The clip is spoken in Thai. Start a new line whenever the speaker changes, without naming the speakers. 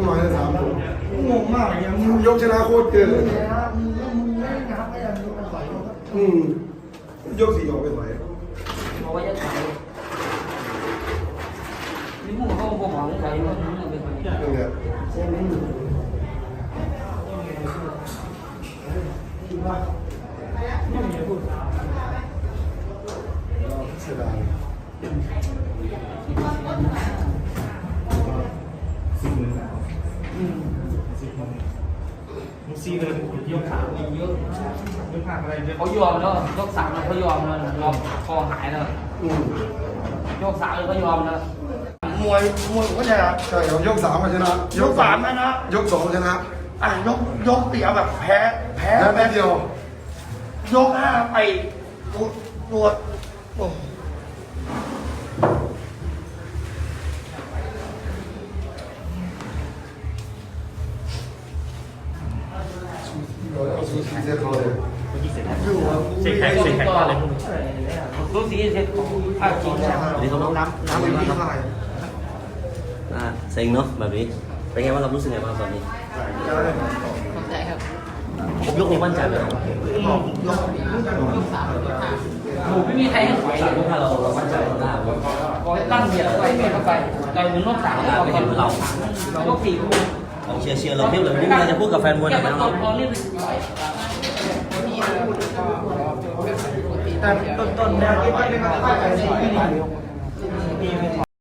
หน่อยนะ3 ยก
งงมากอย่างมึง
ยกชนะโคตรเกินเลย
นะมึงไม่งับไม่ยังมึงต่อยเขา
ยก4 ออกไปไหว
บอกว่าจะใส่นี่มึงเขาบอกว่าจะใส่ว่ามึงเป็นคน
นี่แหละ
ใช่ไหม
เสียดาย
มึงซีเลยยกขาเยอะยกขาอะไรเยอะ
เขายอมแล้วยก3แล้วเขายอมแล้วยอมคอหายแล้วยก3เลยเขายอมแล้ว
มวยก็จะ
ใช่ครับยก3มาชนะ
ยก3นะ
ยก2ชนะ
ยกเสียแบบแพ้
แม่เดียวย
ก5ไปตรวจโอ้
สูสีเสียเขาเลย
เสกแข็งว่าอะไรพวกนี้
รู้สีเสร็จจริงแล้ว
วันนี้เขาน้ำเป็นยังไงครับเซ็งเนาะแบบนี้เป็นไงว่างเรารู้สึกไงบ้างตอนนี้
เข้าใจครับ
ผมยกนี้มั่นใจไหมครับ
หมูไม่มีใครให้ถอย
สามยกห้าเรามั่นใจหน้า
บอกให้ตั้งเบียร์ไปเบียร์เข้าไปเราถึงรอบ3เราตอนเรายก4กู
เชียร์เราเทียบเลยวันนี้มีอะไรจะพูดกับแฟนมวยหน่อยไหมครับ
พอเรียก
แต่ต้นๆเนี่ยที่ไม่ได้มาใส่